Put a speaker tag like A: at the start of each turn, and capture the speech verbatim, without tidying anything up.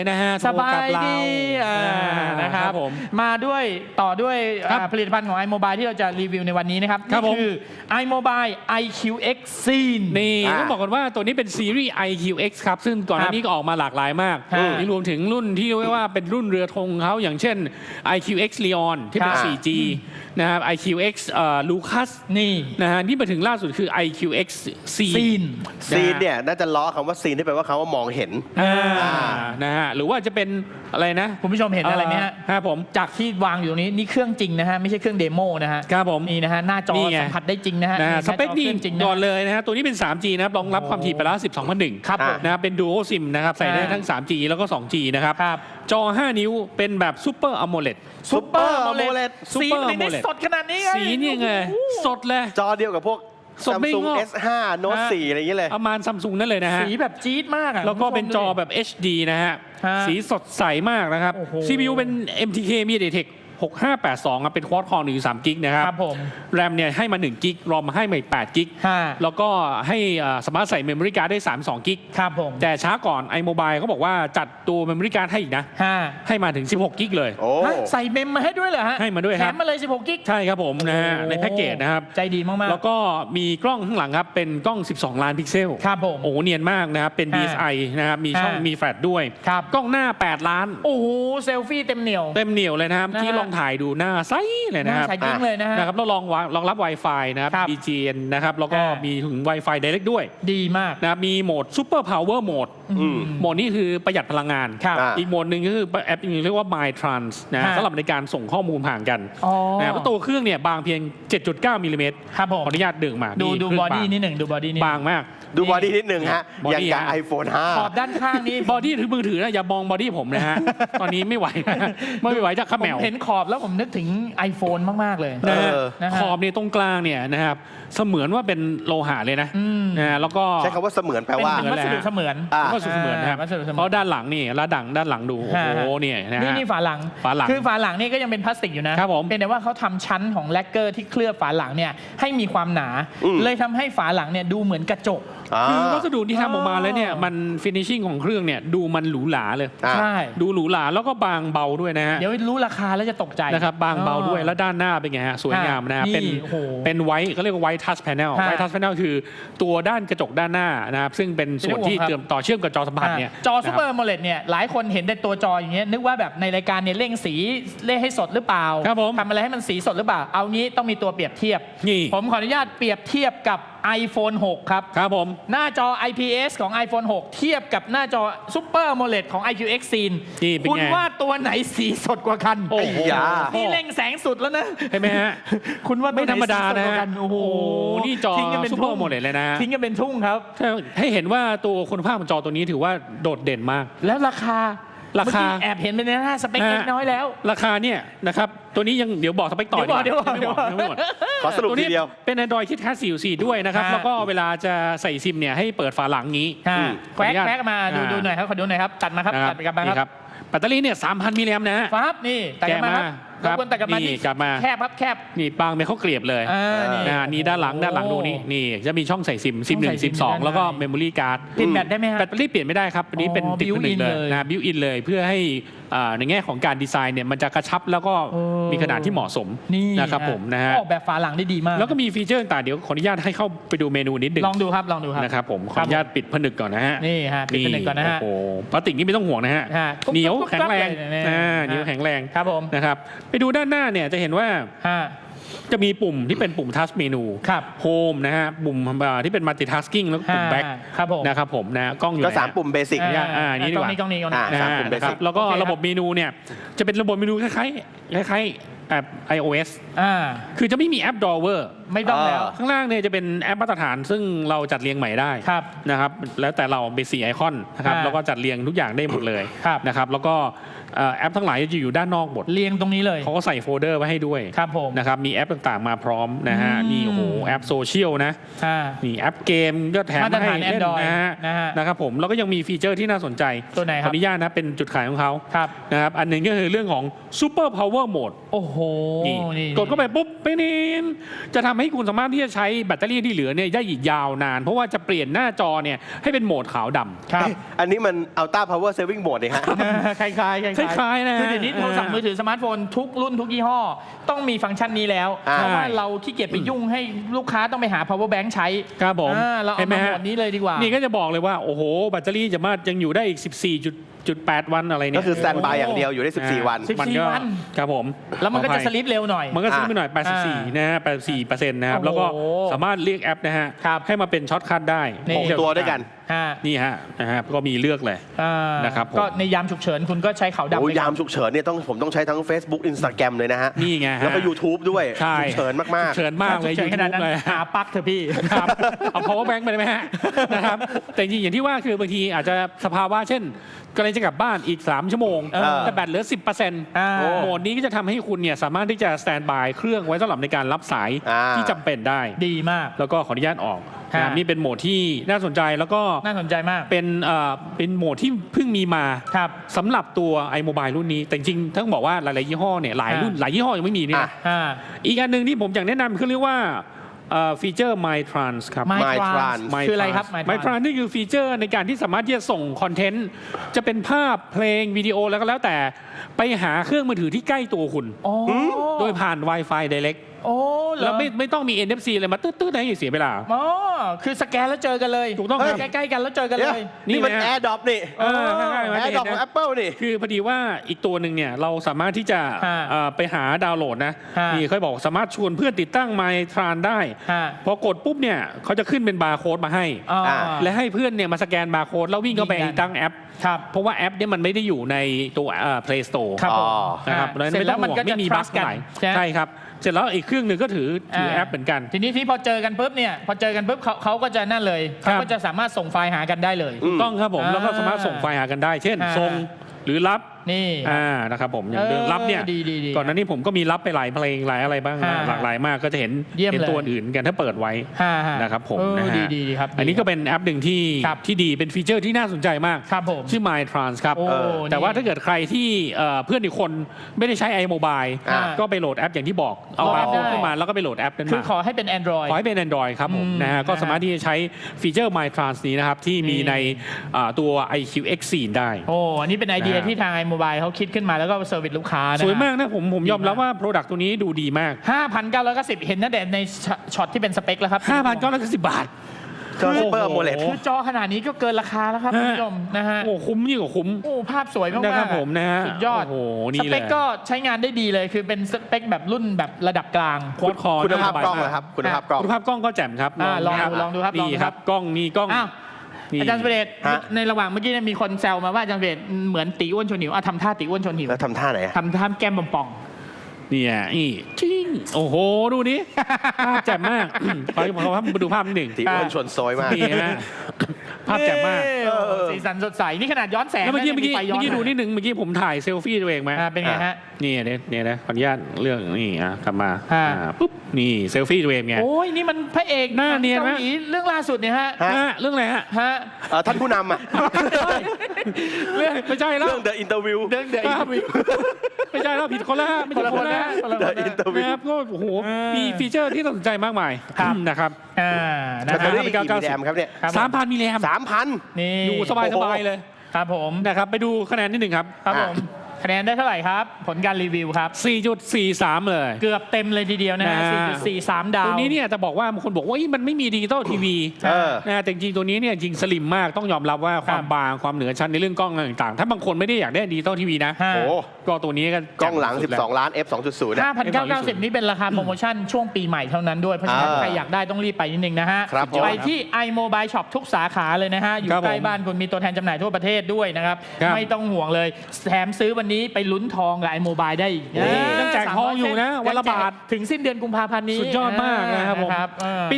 A: นะฮะ
B: สบายดีนะครับมาด้วยต่อด้วยผลิตภัณฑ์ของ iMobile ที่เราจะรีวิวในวันนี้นะครับนี่คือ iMobile ไอ คิว เอ็กซ์ Scene
A: นี่ต้องบอกกันว่าตัวนี้เป็นซีรีส์ ไอ คิว เอ็กซ์ ครับซึ่งก่อนหน้านี้ก็ออกมาหลากหลายมากนี่รวมถึงรุ่นที่เรียกว่าเป็นรุ่นเรือธงเขาอย่างเช่น ไอ คิว เอ็กซ์ Leon ที่เป็น โฟร์จี นะครับ ไอ คิว เอ็กซ์ Lucas
B: นี่
A: นะฮะที่มาถึงล่าสุดคือ ไอ คิว เอ็กซ์ Scene
C: Scene เนี่ยน่าจะล้อคำว่า Scene ที่แปลว่าคำว่ามองเห็น
A: นะฮะหรือว่าจะเป็นอะไรนะ
B: คุณผู้ชมเห็นอะไรไหมฮะ
A: ครับผม
B: จากที่วางอยู่ตรงนี้นี่เครื่องจริงนะฮะไม่ใช่เครื่องเดโมนะฮะ
A: ครับผม
B: นี่นะฮะหน้าจอสัมผัสได้จริงนะฮะ
A: สเปคดีก่อนเลยนะฮะตัวนี้เป็น ทรีจี นะครับรองรับความถี่ไปแล้วสิบสองพันหนึ่ง
B: ครับ
A: นะครับเป็น Dual SIM นะครับใส่ได้ทั้ง ทรีจี แล้วก็ ทูจี นะครับจอห้านิ้วเป็นแบบ Super AMOLED
B: Super AMOLED สีนี่สดขนาดนี้
A: สีนี่ไงสดเลย
C: จอเดียวกับพวก Samsung เอส ห้า Note โฟร์อะไรอย่างเงี้ยเลย
A: ประมาณ Samsung นั่นเลยนะฮะ
B: สีแบบจี๊ดมากอ่ะ
A: แล้วก็เป็นจอแบบ เอช ดี นะฮะสีสดใสมากนะครับ ซี พี ยู เป็น เอ็ม ที เค MediaTek หกห้าแปดสองเป็นควอดคอร์หนึ่งจุดสามกิกนะครับแรมเนี่ยให้มาหนึ่งกิกรอมให้มาอีกแปดกิกแล้วก็ให้สามารถใส่เมมโมรี่การ์ดได้สามสิบสองกิก
B: ครับผม
A: แต่ช้าก่อน iMobile เขาบอกว่าจัดตัวเมมโมรี่การ์ดให้อีกนะให้มาถึงสิบหกกิกเลย
B: ใส่เมมมาให้ด้วยเหรอฮะ
A: ให้มาด้วยครับ
B: แถมมาเลยสิบหกกิก
A: ใช่ครับผมนะฮะในแพ็กเกจนะครับ
B: ใจดีมากๆ
A: แล้วก็มีกล้องข้างหลังครับเป็นกล้องสิบสองล้านพิกเซล
B: ครับผม
A: โอ้เนียนมากนะครับเป็น ดี เอส ไอ นะครับมีช่องมีแฟลชด้วยกล้องหน้าแปดล้าน
B: โอ้โหเซลฟี่เต็มเหนียว
A: เต็มเหนียวเลยนะครับที่ลองถ่ายดูหน้าไซเลยนะครับ
B: ใช้ยิ่งเลยนะฮะ
A: นะครับแล้วรองรองรับ Wi-Fi นะครับ บี จี เอ็น นะครับแล้วก็มีถึง Wi-Fi Direct ด้วย
B: ดีมาก
A: นะครับมีโหมด Super Power Mode โหมดนี้คือประหยัดพลังงานอีกโหมดหนึ่งก็คือแอปนึงเรียกว่า My Trans นะสำหรับในการส่งข้อมูลผ่านกันนะครับตัวเครื่องเนี่ยบางเพียง เจ็ดจุดเก้า มิลลิเมตรขออนุญาตดึงมา
B: ดูดูบอดี้นิดหนึ่งดูบอดี้นิด
A: บางมาก
C: ดูบอดี้นิดหนึ่งฮะอย่างกับ ไอโฟน ห้า
B: ขอบด้านข้างนี้
A: บอดี้ถือมือถือนะอย่ามองบอดี้ผมนะฮะตอนนี้ไม่ไหวไม่ไหวจากข้าแมว
B: เห็นขอบแล้วผมนึกถึง iPhone มากๆเลย
A: ขอบเนี่ยตรงกลางเนี่ยนะครับเสมือนว่าเป็นโลหะเลยนะนะแล้วก็
C: ใช้คำว่าเสมือนแปลว่า
B: วัสดุเสมือน
A: วัสดุเสมือนนะครับเพราะด้านหลังนี่แล้วดังด้านหลังดูโอ้โหเนี่ยนะ
B: นี่นี่ฝาหลัง
A: ฝาหลัง
B: คือฝาหลังนี่ก็ยังเป็นพลาสติกอยู่นะครับผมเป็นแต่ว่าเขาทำชั้นของแลกเกอร์ที่เคลือบฝาหลังเนี่ยให้มีความหนาเลยทำให้ฝาหลังเนี่ยดูเหมือนกระจก
A: คือวัสดุที่ทำออกมาแล้วเนี่ยมันฟินิชชิ่งของเครื่องเนี่ยดูมันหรูหราเลย
B: ใช่
A: ดูหรูหราแล้วก็บางเบาด้วยนะฮะ
B: เดี๋ยวรู้ราคาแล้วจะตกใจ
A: นะครับบางเบาด้วยแล้วด้านหน้าเป็นไงฮะสวยงามนะครับเป็นเป็นไวท์เขาเรียกว่าไวท์ทัชแพนเนลไวท์ทัชแพนเนลคือตัวด้านกระจกด้านหน้านะครับซึ่งเป็นส่วนที่เชื่อมต่อเชื่อมกับจอสัมผัสเนี่ย
B: จอซูเปอร์โมเลดเนี่ยหลายคนเห็นแต่ตัวจออย่างเงี้ยนึกว่าแบบในรายการเนี่ยเร่งสีเร่งให้สดหรือเปล่าทำอะไรให้มันสีสดหรือเปล่าเอางี้ต้องมีตัวเปรียบเทียบผมขออนุญาตเปรียบเทียบกับ iPhone หก ครับ
A: ครับผม
B: หน้าจอ ไอ พี เอส ของ iPhone หก เทียบกับหน้าจอ Super AMOLED ของ ไอ คิว เอ็กซ์ Scene คุณว่าตัวไหนสีสดกว่ากัน
C: โอ้โห
B: นี่เร่งแสงสุดแล้วนะ
A: เห็นไหมฮะ
B: คุณว่า
A: ไม่ธรรมดานะ
B: โอ้โห
A: นี่จอ Super AMOLED เลยนะ
B: ทิ้งกันเป็นทุ่งครับ
A: ให้เห็นว่าตัวคุณภาพของจอตัวนี้ถือว่าโดดเด่นมาก
B: แล้วราคา
A: ราคา
B: แอบเห็นเป็นหน้าสเปคเล็กน้อยแล้ว
A: ราคาเนี่ยนะครับตัวนี้ยังเดี๋ยวบอกสเปคต่อ
B: เดี๋ยวบอกเดี๋ยวบอก
C: ไม่หมดขอสรุปทีเดียว
A: เป็น Android ที่แท้ สี่จุดสี่ ด้วยนะครับแล้วก็เวลาจะใส่ซิมเนี่ยให้เปิดฝาหลังงี้
B: แควกแควกมาดูดูหน่อยครับขอดูหน่อยครับตัดมาครับตัดไปกับมาครับ
A: แบตเตอรี่เนี่ย สามพัน มิลลิแอมป์นะฮะ
B: ครับนี่ตัดมาครับคนตัดกับมาที่แคบครับแคบ
A: นี่บางเป็นข้าวเกลียบเลยนะนี่ด้านหลังด้านหลังดูนี่นี่จะมีช่องใส่ซิมซิมหนึ่งซิมสองแล้วก็เมมโมรี่การ์ด
B: เปลี่ยนแบตได้ไหมฮะ
A: แบตเตอรี่เปลี่ยนไม่ได้ครับอันนี้เป็นติดผนึกเลยนะบิวอินเลยเพื่อให้ในแง่ของการดีไซน์เนี่ยมันจะกระชับแล้วก็มีขนาดที่เหมาะสมนะครับผมนะฮะ
B: ออกแบบฝาหลังได้ดีมาก
A: แล้วก็มีฟีเจอร์ต่างๆเดี๋ยวขออนุญาตให้เข้าไปดูเมนูนิดนึง
B: ลองดูครับลองดูครับ
A: นะครับผมขออนุญาตปิดผนึกก่อนนะฮะ
B: นี่ฮะปิดผนึกก่อนนะฮะ
A: โอ้พลาสติกนี่ไม่ต้องห่วงนะฮะเหนียวแข็งแรงเหนียวแข็งแรง
B: ครับผม
A: นะครับไปดูด้านหน้าเนี่ยจะเห็นว่าจะมีปุ่มที่เป็นปุ่มทัชเมนูโฮมนะฮะปุ่มที่เป็นมัลติทัสกิ้งแล้วปุ่มแบ็คนะครับผมนะกล้องอยู่
C: ก็สามปุ่มเบสิก
A: อ่านี่ดีกว่า
B: กล้องนี้กล้องนี้
C: สามปุ่มเบสิก
A: แล้วก็ระบบเมนูเนี่ยจะเป็นระบบเมนูคล้ายๆคล้ายๆแอป iOS คือจะไม่มีแอป Drawer
B: ไม่ต้องแล้ว
A: ข้างล่างเนี่ยจะเป็นแอปมาตรฐานซึ่งเราจัดเรียงใหม่ได้นะครับแล้วแต่เราเบสิกไอคอนนะครับแล้วก็จัดเรียงทุกอย่างได้หมดเลยนะครับแล้วก็เอ่อแอปทั้งหลายจะอยู่ด้านนอกหมด
B: เรียงตรงนี้เลย
A: เขาก็ใส่โฟลเดอร์ไว้ให้ด้วย
B: ครับผม
A: นะครับมีแอปต่างๆมาพร้อมนะฮะ
B: อืม
A: นี่โอ้โหแอปโซเชียลนะ
B: อ่า
A: นี่แอปเกมก็แถม
B: มาตร
A: ให้
B: ฐาน
A: เล่น
B: Android
A: นะฮะ
B: นะฮะ
A: นะครับผมแล้วก็ยังมีฟีเจอร์ที่น่าสนใจ
B: ตัวไหนค
A: ข
B: รั
A: อบ อนุญาตนะเป็นจุดขายของเขา
B: ครับ
A: นะครับอันหนึ่งก็คือเรื่องของ Super Power Mode
B: โอ้โห
A: นี่
B: นี่
A: กดเข้าไปปุ๊บไปนินจะทำให้คุณสามารถที่จะใช้แบตเตอรี่ที่เหลือเนี่ยได้อีกยาวนาน เพราะว่าจะเปลี่ยนหน้าจอเนี่ยให้เป็นโหมดขาวดำ
B: ครับ
C: อันนี้มัน Ultra Power Saving Mode นี่ฮะ
B: คล้ายๆคล้ายๆ
A: คล้ายๆนะ
B: คือเดี๋ยวนี้โทรศัพท์มือถือสมาร์ทโฟนทุกรุ่นทุกยี่ห้อ ต้องมีฟังก์ชันนี้แล้ว
C: อ่า
B: เพราะว่าเราขี้เกียจไปยุ่งให้ลูกค้าต้องไปหา power bank ใช้
A: ครับผม
B: อ่าเรา
A: เห็
B: เอา
A: นไหม
B: มา
A: ฮะ
B: หมดนี้เลยดีกว่า
A: นี่ก็จะบอกเลยว่าโอ้โหแบตเตอรี่จะมายังอยู่ได้อีก สิบสี่จุดแปด วันอะไรเนี่ย
C: ก็คือสแตนบายอย่างเดียวอยู่ได้สิบสี่วัน
B: สิบ
A: มัน
B: สี่
A: ก็
B: วัน
A: ครับผม
B: แล้วมันก็
A: ขออ
B: จะ
A: ภัย
B: สลิปเร็วหน่อย
A: มันก็ซื้อไปหน่อย
B: อ่า
A: แปดสิบสี่ นะฮะ แปดสิบสี่เปอร์เซ็นต์ นะครับ
B: โอ้โห
A: แล้วก็สามารถเรียกแอปนะฮะ
B: ครับ
A: ให้มาเป็นช็อตคัทได้
B: นี่
C: หกตัวด้วยกัน
B: ฮะ
A: นี่ฮะ นะฮะ ก็มีเลือกเลย
B: อ่า
A: นะครับผม
B: ก็ในยามฉุกเฉินคุณก็ใช้ขาวดำ
C: โอ้ย
B: ไปก่อน
C: ยามฉุกเฉินเนี่ยต้องผมต้องใช้ทั้ง Facebook Instagram เลยนะฮะ
A: นี่ไงฮะ
C: แล้วก็ YouTube ด้วย
A: ใช่
C: ฉุกเฉินมาก
A: เฉินมากเลย
B: ฉุก
A: ยู
B: เฉินขนาด
A: ทูบ
B: นั้น
A: เลย
B: หาปลั๊กเถอะพี่
A: ครับเอา power bank ไปได้ไหมฮะ นะครับ แต่จริงๆอย่างที่ว่าคือบางทีอาจจะสภาวะเช่นกำลังจะกลับบ้านอีก สาม ชั่วโมง
B: เออ
A: แต่แบตเหลือ สิบเปอร์เซ็นต์
B: อ่า
A: โหมดนี้ก็จะทำให้คุณเนี่ยสามารถที่จะสแตนบายเครื่องไว้สำหรับในการรับสาย
C: อ่า
A: ที่จำเป็นได้
B: ดีมาก
A: แล้วก็ขออนุญาตออก
B: ฮะ
A: นะครับนี่เป็นโหมดที่น่าสนใจแล้วก็
B: น่าสนใจมาก
A: เป็นเอ่อเป็นโหมดที่เพิ่งมีมา
B: ครับ
A: สำหรับตัว iMobile รุ่นนี้ แต่จริงๆต้องบอกว่าหลายๆยี่ห้อเนี่ยหลายรุ่น
B: อ่า
A: หลายยี่ห้อยังไม่มีเนี่ย
C: อ่ะ
B: อ่า
A: อีกอันหนึ่งที่ผมอยากแนะนำคือเรียกว่าเอ่อฟีเจอร์ My Trans ครับ
B: My
C: My
B: Trans
C: Trans
B: คืออะไรครับ My
A: My
B: Trans
A: Trans นี่คือฟีเจอร์ในการที่สามารถที่จะส่งคอนเทนต์จะเป็นภาพเพลงวิดีโอแล้วก็แล้วแต่ไปหาเครื่องมือถือที่ใกล้ตัวคุณ
B: อ๋อ
A: โดยผ่าน Wi-Fi Direct
B: โอ้เหรอ
A: แล้วไม่ไม่ต้องมี เอ็น เอฟ ซี อะไรมาตื้อๆให้เสียเวลา
B: อ๋อคือสแกนแล้วเจอกันเลย
A: ถูกต้องครับ
B: ใกล้ๆกันแล้วเจอกัน
C: เนี่
B: เลย ย
C: นี่มัน
A: นี่ไหมฮะ
C: AirDrop นี่
A: เออง่ายๆมันจะเห็น
C: AirDrop ของ
A: นะ
C: Apple นี่
A: คือพอดีว่าอีกตัวหนึ่งเนี่ยเราสามารถที่จะ
B: ฮะ
A: เอ่อไปหาดาวน์โหลดนะ
B: ฮะ
A: นี่เขาบอกสามารถชวนเพื่อนติดตั้ง My Tran ได้
B: ฮะ
A: พอกดปุ๊บเนี่ยเขาจะขึ้นเป็นบาร์โค้ดมาให้
B: อ๋อ
A: และให้เพื่อนเนี่ยมาสแกนบาร์โค้ดแล้ววิ่งเข้าไป
B: ยืนยัน
A: ตั้งแอป
B: ครับ
A: เพราะว่าแอปเนี่ยมันไม่ได้อยู่ในตัวเอ่อ Play Store
B: ครับผม
C: อ๋อ
A: นะครับ
B: อ่าเสร็จแล้วมันก็จะ
A: ไม่มีบั๊ก
B: trust กัน
A: ไหน
B: ใช่ไหม
A: ใช่ครับ เสร็จแล้วอีกเครื่องหนึ่งก็ถือถือแอปเหมือนกัน
B: ทีนี้ที่พอเจอกันปุ๊บเนี่ยพอเจอกันปุ๊บเขาเขาก็จะนั่นเลย
A: ครั
B: เขา
A: บ
B: ก็จะสามารถส่งไฟล์หากันได้เลย
C: อืม
A: ต้องครับผม
B: อ่า
A: แล้วก็สามารถส่งไฟล์หากันได้ เช่น
B: อ่า
A: ส่งหรือรับ
B: นี่
A: อ่านะครับผมอย่างเดิม
B: เออ
A: รับเนี่ย
B: ดีดีดี
A: ก่อนหน้านี้ผมก็มีรับไปหลายเพลงหลายอะไรบ้างนะ
B: ฮะ
A: หลากหลายมากก็จะเห็น
B: เยี่ยม
A: เห็น
B: เลย
A: ตัวอื่นกันถ้าเปิดไว้
B: ฮ่าฮ่า
A: นะครับผม
B: เออ
A: นะฮะ
B: ดีดีดีครับ
A: อันนี้ก็เป็นแอปหนึ่งที่
B: ครับ
A: ที่ดีเป็นฟีเจอร์ที่น่าสนใจมาก
B: ครับผม
A: ชื่อ My Trans ครับ
B: โอ้
A: เออแต่ว่า
B: นี่
A: ถ้าเกิดใครที่เอ่อเพื่อนอีกคนไม่ได้ใช้ iMobile
C: อ่า
A: ก็ไปโหลดแอปอย่างที่บอกเอา
B: โหลด
A: บาร์โค้ด
B: ได้
A: ขึ้นมาแล้วก็ไปโหลดแอปนั้น
B: คือ
A: มา
B: ขอให้เป็น Android
A: ขอให้เป็น Android ครับผม
B: อืม
A: นะฮะก็
B: นะฮะ
A: สามารถที่จะใช้ฟีเจอร์ My Trans นี้นะครับที่มี
B: นี่
A: ในอ่าตัว ไอ คิว เอ็กซ์ โฟร์ ได้
B: โอ้อันนี้เป็นไอเดีย
A: นะฮะ
B: ที่ทาง iMobile เขาคิดขึ้นมาแล้วก็เซอร์วิสลูกค้านะ
A: สวยมากนะผมผมยอมรับว่า Product ตัวนี้ดูดีมาก
B: ห้าพันเก้าร้อยเก้าสิบเห็นนะแดดในช็อตที่เป็นสเปคแล้วครับ
A: ห้าพันเก้าร้อยเก้าสิบ บาท
C: จอ Super
A: โอ้โห
C: AMOLED
B: คือจอขนาดนี้ก็เกินราคาแล้วครับ
A: ฮะ
B: คุณผู้ชมนะฮะ
A: โอ้คุ้มยิ่งกว่าคุ้ม
B: โอ้ภาพสวยมากๆ
A: นะครับผมนะฮะ
B: สุดยอด
A: โอ้โห
B: ส
A: นี่
B: เป
A: เล
B: ค
A: ย
B: ก็ใช้งานได้ดีเลยคือเป็นสเปคแบบรุ่นแบบระดับกลาง
A: โค้ดคอ
C: คุณภาพกล้อง
A: น่สบยม
C: นะครับ คุณภาพกล้อง
A: คุณภาพกล้องก็แจ่มครับ
B: อ่าลอง
A: นะค
B: ดู
A: บ
B: ลองดูครับลอง
A: นี่
B: ดู
A: ค
B: ครั
A: รับ บกล้องนี่กล้อง
B: อ้าว
A: นี่
B: อาจารย์สเปรด
C: ฮะ
B: ในระหว่างเมื่อกี้เนี่ยมีคนแซวมาว่าอาจารย์สเปรดเหมือนตีอ้วนชวนหิวอ่ะทำท่าตีอ้วนชวนหิว
C: แล้วทำท่าไหนอะ
B: ทำท่าแก้มป่อง
A: เนี่ยนี่จริงโอ้โหดูนี้ภาพแจ่มมากขอขอมาดูภาพนิดหนึ่ง
C: ตีอ้วนชวนโซยมาก
A: นี่นะ
B: ๆ
A: ภาพแจ่มมาก
B: เออสีสันสดใสนี่ขนาดย้อนแสง
A: แล้วเมื่อกี้เมื่อกี้
B: ไฟย้
A: เมื่
B: อน
A: อกี้ดูนิดหนึ่งเมื่อกี้ผมถ่ายเซลฟี่ตัวเองไหม
B: อ่าเป็นไงฮะ
A: นี่เนี่ยเนี่ยนะขออนุญาตเรื่องนี่อ่ะกลับมา
B: ฮะ
A: อ่าปุ๊บนี่เซลฟี่ตัวเองไง
B: โอ้ยนี่มันพระเอก
A: หน้าเนียนไหม
B: เกาหลีเรื่องล่าสุดเนี่ยฮะ
C: ฮะ
A: ฮะเรื่องอะไรฮะ
B: ฮะ
C: เอ่อท่านผู้นำอะ
A: เรื่องไม่ใช่แล้ว
C: เรื่อง The Interview
B: เรื่องเดอะ
A: ครับไม่ใช่แล้วผิดคนละไม่ใช่คนละ
B: คนละคน
C: The
B: ละ
C: Interview
A: นะครับก็โอ้โห
B: เออ
A: มีฟีเจอร์ที่น่าสนใจมากมาย
B: ครับ
A: นะครับ
B: อ่านะ
C: แบตเตอ
B: ฮะ
C: รี่กี่มิลลิแอมครับเนี่ย
B: ครับผม
A: สามพันมิลลิแอม
C: สามพัน
B: นี่
A: อยู่สบายสบายเลย
B: ครับผม
A: นะครับไปดูคะแนนนิดหนึ่งครับ
B: ครับผม
C: อ่ะ
B: คะแนนได้เท่าไหร่ครับ ผลการรีวิวครับ
A: สี่จุดสี่สาม เลย
B: เกือบเต็มเลยทีเดียวนะฮะ
A: นะ
B: สี่จุดสี่สาม ดาว
A: ตัวนี้เนี่ยจะบอกว่าบางคนบอกว่าเอ้ยมันไม่มีดิจิตอลทีวี
C: เออ
A: นะแต่จริงๆตัวนี้เนี่ยจริงสลิมมากต้องยอมรับว่าความบางความเหนือชั้นในเรื่องกล้องต่างๆ ถ้าบางคนไม่ได้อยากได้ดิจิตอลทีวีนะ
B: ฮะ
C: โอ้
A: ก็ตัวนี้ก็
C: กล้องหลัง
A: สุดแว
C: สิบสอง ล้าน เอฟ สองจุดศูนย์
B: ห้าพันเก้าร้อยเก้าสิบนี่เป็นราคาโปรโมชั่นช่วงปีใหม่เท่านั้นด้วย เพราะฉะนั้น
C: อ่า
B: ใครอยากได้ต้องรีบไปนิดนึงนะฮะ
C: ครับผม
B: ไปที่ iMobile Shop ทุกสาขาเลยนะฮะ อยู่
A: ครับผม
B: ใกล้บ้านคุณมีตัวแทนจำหน่ายทั่วประเทศด้วยนะครับ
A: ครับ
B: ไม่ต้องห่วงเลยแถมซื้อวันนี้ไปลุ้นทองกับ iMobile ได้อีก
A: โอ้ยังแจกทองอยู่นะวันละบาท
B: ถึงสิ้นเดือนกุมภาพันธ์นี้
A: สุดยอดมากนะครับผม
B: เออ